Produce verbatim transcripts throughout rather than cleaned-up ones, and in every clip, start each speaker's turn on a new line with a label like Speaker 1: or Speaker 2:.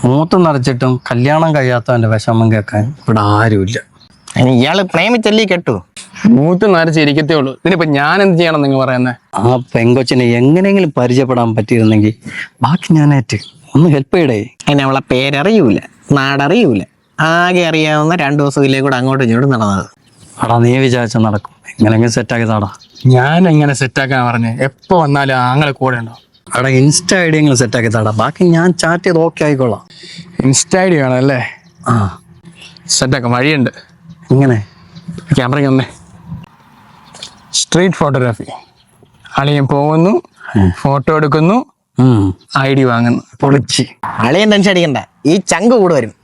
Speaker 1: മൂത്ത് നിറച്ചിട്ടും കല്യാണം കഴിയാത്തവന്റെ വിഷമം കേൾക്കാൻ ഇവിടെ ആരുമില്ല.
Speaker 2: ഇയാള് പ്രേമിച്ചല്ലേ കെട്ടു?
Speaker 3: മൂത്ത് നരച്ചിരിക്കത്തേ ഉള്ളൂ. ഇതിനിപ്പോ ഞാൻ എന്ത് ചെയ്യണം നിങ്ങൾ പറയുന്നത്?
Speaker 1: ആ പെങ്കൊച്ചിനെ എങ്ങനെയെങ്കിലും പരിചയപ്പെടാൻ പറ്റിയിരുന്നെങ്കിൽ ബാക്കി ഞാനേറ്റ് ഒന്ന് ഹെൽപ്പ് ചെയ്യടേ.
Speaker 2: അതിന് അവളെ പേരറിയൂല, നാടറിയൂല, ആകെ അറിയാവുന്ന രണ്ടു ദിവസത്തിലേ കൂടെ അങ്ങോട്ടും ഇങ്ങോട്ടും നടന്നത്.
Speaker 1: അടാ നീ വിചാരിച്ച നടക്കും, എങ്ങനെയെങ്കിലും സെറ്റാക്കി താടാ.
Speaker 3: ഞാൻ എങ്ങനെ സെറ്റാക്കാൻ പറഞ്ഞേ? എപ്പോ വന്നാലും ആങ്ങളെ കൂടെ ഉണ്ടോ?
Speaker 1: അവിടെ ഇൻസ്റ്റ ഐ ഡി എങ്കിലും സെറ്റാക്കി താടാ, ബാക്കി ഞാൻ ചാറ്റ് ചെയ്ത് ഓക്കെ ആയിക്കോളാം.
Speaker 3: ഇൻസ്റ്റ ഐ ഡി വേണം അല്ലേ?
Speaker 1: ആ
Speaker 3: സെറ്റാക്കാം, വഴിയുണ്ട്.
Speaker 1: ഇങ്ങനെ
Speaker 3: ക്യാമറയ്ക്ക് വന്നേ. Street photography. അളിയൻ പോകുന്നു, ഫോട്ടോ എടുക്കുന്നു, ഐ ഡി വാങ്ങുന്നു.
Speaker 1: പൊളിച്ച്.
Speaker 2: അളിയൻ ടെൻഷൻ അടിക്കണ്ട, ഈ ചങ്ക് കൂടെ വരും.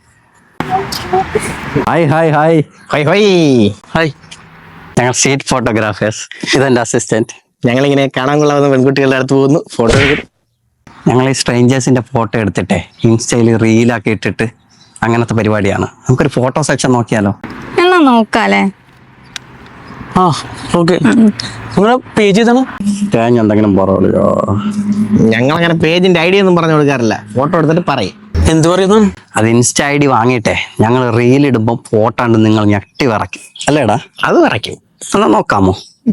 Speaker 1: ഹായ് ഹായ് ഹായ്
Speaker 2: ഹൊയ് ഹൊയ്.
Speaker 1: ഹായ്, ഞങ്ങൾ സ്ട്രീറ്റ് ഫോട്ടോഗ്രാഫേഴ്സ്. ഇതെന്റെ അസിസ്റ്റന്റ്.
Speaker 2: ഞങ്ങളിങ്ങനെ കാണാൻ കൊള്ളാവുന്ന പെൺകുട്ടികളുടെ അടുത്ത് പോകുന്നു, ഫോട്ടോ എടുക്കും.
Speaker 1: ഞങ്ങൾ ഈ സ്ട്രേഞ്ചേഴ്സിന്റെ ഫോട്ടോ എടുത്തിട്ടേ ഇൻസ്റ്റയിൽ റീലാക്കി ഇട്ടിട്ട് അങ്ങനത്തെ പരിപാടിയാണ്. നമുക്കൊരു ഫോട്ടോ സെക്ഷൻ നോക്കിയാലോ?
Speaker 4: എന്നാ നോക്കാല്ലേ?
Speaker 3: ആ ഓക്കെ. നിങ്ങളെ പേജ് ചെയ്തണം.
Speaker 1: തേങ്ങ എന്തെങ്കിലും പറയോ?
Speaker 2: ഞങ്ങളങ്ങനെ പേജിന്റെ ഐഡിയ ഒന്നും പറഞ്ഞു കൊടുക്കാറില്ല, ഫോട്ടോ എടുത്തിട്ട് പറയും.
Speaker 3: എന്ത് പറയുന്നു?
Speaker 1: അത് ഇൻസ്റ്റ ഐ ഡി വാങ്ങിയിട്ടെ ഞങ്ങൾ റീൽ ഇടുമ്പോൾ ഫോട്ടോ ഉണ്ട് നിങ്ങൾ ഞെട്ടി വിറയ്ക്കും അല്ലേടാ?
Speaker 2: അത് പറയ്ക്കും.
Speaker 1: എന്നാ നോക്കാമോ?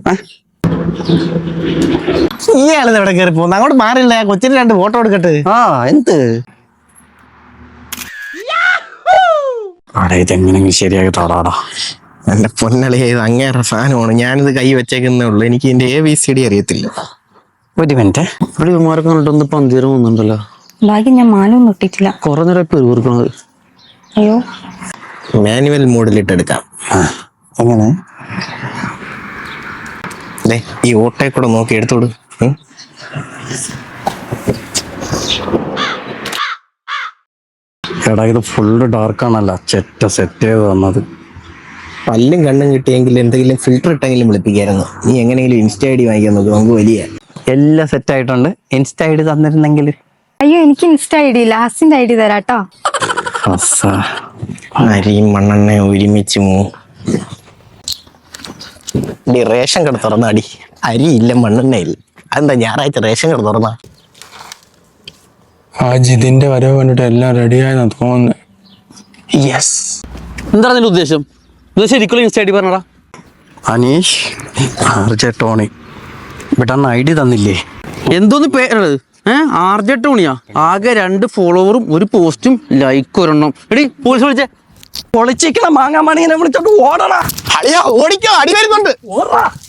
Speaker 2: ഇയാളിത് എവിടെ കയറി പോകുന്നു? അങ്ങോട്ട് മാറില്ല, കൊച്ചിന് രണ്ട് ഫോട്ടോ എടുക്കട്ടെ.
Speaker 1: ആ എന്ത് ഇതെങ്ങനെങ്കിലും ശരിയാക്കി താടാടാ.
Speaker 2: എന്റെ പൊന്നളിയ, ഇത് അങ്ങേറെ സാധനമാണ്. ഞാനിത് കൈ വെച്ചേക്കുന്നേ ഉള്ളൂ, എനിക്ക് ഇതിന്റെ എ ബി സി ഡി അറിയത്തില്ല.
Speaker 1: ഒരു മിനിറ്റ്.
Speaker 3: ഇവിടെ ഇവന്മാരൊക്കെ കണ്ടിട്ടൊന്ന് പന്തീരം വന്നിട്ടുണ്ടല്ലോ.
Speaker 4: ബാക്കി ഞാൻ മാലൊന്നും ഇട്ടിട്ടില്ല.
Speaker 3: കുറെ നേരം പേര് കൊടുക്കണത്.
Speaker 4: അയ്യോ,
Speaker 2: മാനുവൽ മോഡിലിട്ട് എടുക്കാം.
Speaker 1: എങ്ങനെ?
Speaker 2: ഈ ഓട്ടയെ കൂടെ നോക്കി എടുത്തോട്.
Speaker 1: എടാ ഇത് ഫുള്ള് ഡാർക്കാണല്ല, ചെറ്റ സെറ്റ് ചെയ്ത് തന്നത്.
Speaker 2: പല്ലും കണ്ണും കിട്ടിയെങ്കിൽ എന്തെങ്കിലും ഫിൽറ്റർ ഇട്ടെങ്കിലും വിളിപ്പിക്കായിരുന്നു. നീ എങ്ങനെയെങ്കിലും ഇൻസ്റ്റ ഐ ഡി വാങ്ങിക്കാൻ നോക്കും, നമുക്ക് വലിയ
Speaker 1: എല്ലാം സെറ്റ് ആയിട്ടുണ്ട്. ഇൻസ്റ്റ ഐ ഡി തന്നിരുന്നെങ്കിൽ.
Speaker 4: അയ്യോ, എനിക്ക് ഇൻസ്റ്റ ഐ ഡി ഇല്ല, ഹസിന്റെ ഐ ഡി തരാട്ടോ.
Speaker 2: അരിയും മണ്ണെണ്ണ ഒരുമിച്ച് മൂ ഡി റേഷൻ കട തുറന്നാടി. അരിയില്ല, മണ്ണെണ്ണയില്ല. അതെന്താ ഞായറാഴ്ച റേഷൻ കട തുറന്ന?
Speaker 3: ആ ജിതിന്റെ വരവ് കണ്ടിട്ട് എല്ലാം റെഡിയായെന്നാ തോന്നുന്നത്. യെസ്.
Speaker 5: എന്താ അതിന്റെ ഉദ്ദേശം? ഇത് ശരിക്കും ഇൻസ്റ്റ ഐ ഡി പറഞ്ഞടാ.
Speaker 1: അനീഷ് ആർജെ ടോണി ഇവിടെ ഐ ഡി തന്നില്ലേ?
Speaker 5: എന്തോന്ന് പേരത്? ഏഹ് ആർ ജെ ടോണിയാ? ആകെ രണ്ട് ഫോളോവറും ഒരു പോസ്റ്റും ലൈക്ക് ഒരെണ്ണം. എടി പോലീസ് വിളിച്ചേ.
Speaker 1: പൊളിച്ചിക്കണ മാങ്ങാമണിനെ വിളിച്ചോണ്ട് ഓടണ.
Speaker 2: ഓടിക്കോ, അടി വരുന്നുണ്ട്.